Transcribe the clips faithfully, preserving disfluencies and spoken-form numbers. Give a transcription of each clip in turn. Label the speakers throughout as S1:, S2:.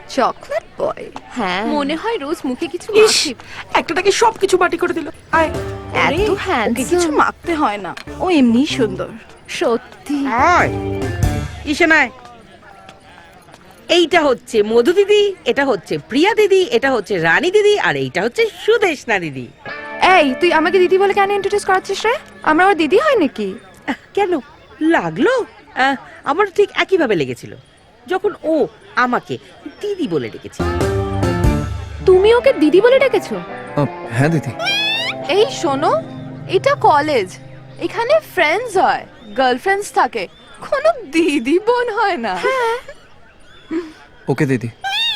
S1: Chocolate boy.
S2: হ্যাঁ,
S1: মনে হয় রোজ মুখে কিছু
S3: ইস,
S1: মাখে।
S3: একটাটাকে সবকিছু বাটি করে দিল। আয়
S1: এত
S3: ওরে, ওকে
S1: handsome।
S3: কিছু মাখতে হয় না, ও এমনি সুন্দর।
S1: সত্যি।
S4: আয় ঈশানায়, এইটা হচ্ছে মধু দিদি, এটা হচ্ছে প্রিয়া দিদি, এটা হচ্ছে রানী দিদি, আর এইটা হচ্ছে সুদেশনা দিদি।
S1: এই তুই আমাকে দিদি বলে কেন ইন্ট্রোডিউস করাচ্ছিস রে? আমরা ওর দিদি হয় নাকি?
S4: আহ, কেন লাগলো? আহ, আমার ঠিক একইভাবে লেগেছিল যখন ও আমাকে দিদি বলে ডেকেছে।
S1: তুমি ওকে দিদি বলে ডেকেছো?
S5: হ্যাঁ দিদি।
S1: এই শোনো, এটা কলেজ, এখানে ফ্রেন্ডস হয়, গার্লফ্রেন্ডস থাকে, কোনো দিদি বোন হয় না।
S5: ওকে দিদি।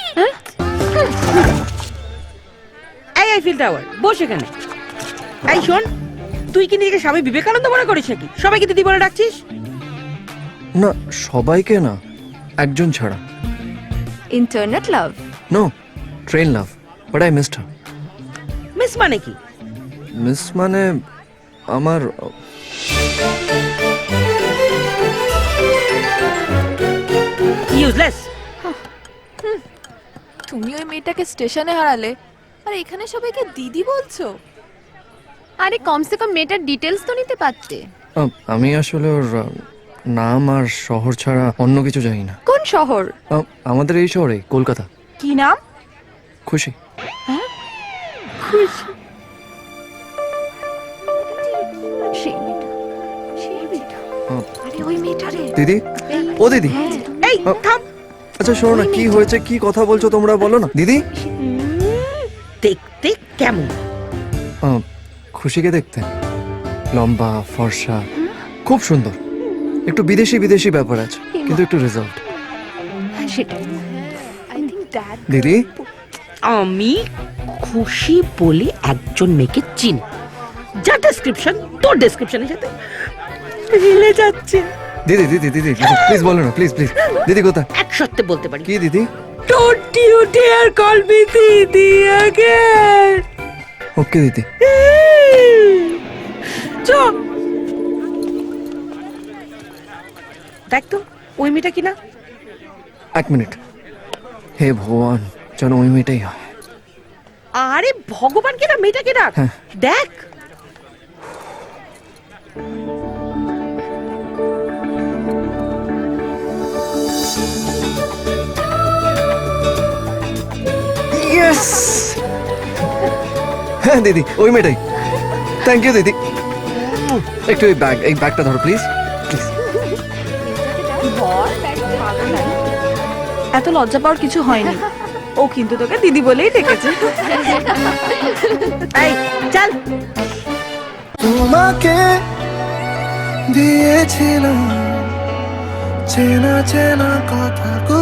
S4: এই আইফেল টাওয়ার, বস এখানে। এই শোন, তুই কি নিজেকে স্বামী বিবেকানন্দ মনে করিস নাকি সবাইকে দিদি বলে ডাকছিস?
S5: না, সবাইকে না, একজন ছাড়া।
S1: Internet love.
S5: No, train love, but I missed her.
S4: Miss মানে কি?
S5: মিস মানে আমার
S4: ইউজলেস।
S1: তুমি ওই মেয়েটাকে স্টেশনে হারালে আর এখানে সবাইকে দিদি বলছো?
S2: আরে কমসে কম মেয়েটার ডিটেলস তো নিতে পারতে।
S5: আহ, আমি আসলে ওর আহ, নাম আর শহর ছাড়া অন্য কিছু জানি না।
S1: কোন শহর?
S5: আহ, আমাদের এই শহরে, কলকাতা।
S3: কি নাম?
S5: খুশি।
S1: সেই মেয়েটা, সেই মেয়েটা।
S5: আহ,
S1: আরে ওই মেয়েটা রে।
S5: দিদি, ও দিদি।
S4: এই
S5: আহ,
S4: থাম,
S5: আচ্ছা শোনো না, কি হয়েছে, কি কথা বলছো তোমরা, বলো না দিদি।
S4: দেখতে কেমন?
S5: আহ, খুশিকে দেখতে লম্বা, ফর্সা, খুব সুন্দর, একটু বিদেশি বিদেশি ব্যাপার আছে, কিন্তু একটু রেজাল্ট।
S1: হ্যাঁ সেটাই। I think that.
S5: দিদি,
S4: আমি খুশি বলে একজন মেয়েকে চিনি, যার ডেসক্রিপশন তোর ডেসক্রিপশনের সাথে মিলে যাচ্ছে।
S5: দিদি দিদি দিদি প্লিজ বলো না, প্লিজ প্লিজ। দিদি কোথায়?
S4: এক সত্যি বলতে পারি।
S5: কি দিদি?
S4: Don't you dare call me দিদি again.
S5: ওকে দিদি।
S4: চ দেখ তো ওই মেয়েটা কিনা।
S5: এক মিনিট, হে ভগবান, যেন ওই মেয়েটাই হয়।
S4: আরে ভগবান কিনা, মেয়েটা কিনা
S5: হ্যাঁ।
S4: দেখ।
S5: ইয়েস, হ্যাঁ দিদি, ওই মেয়েটাই। থ্যাংক ইউ দিদি। একটু এই ব্যাগ, এই ব্যাগটা ধরো প্লিজ, প্লিজ।
S3: এত লজ্জা পাওয়ার কিছু হয়নি, ও কিন্তু তোকে দিদি বলেই ডেকেছে।
S4: এই চল।
S6: তোমাকে দিয়েছিলাম চেনা চেনা কথা।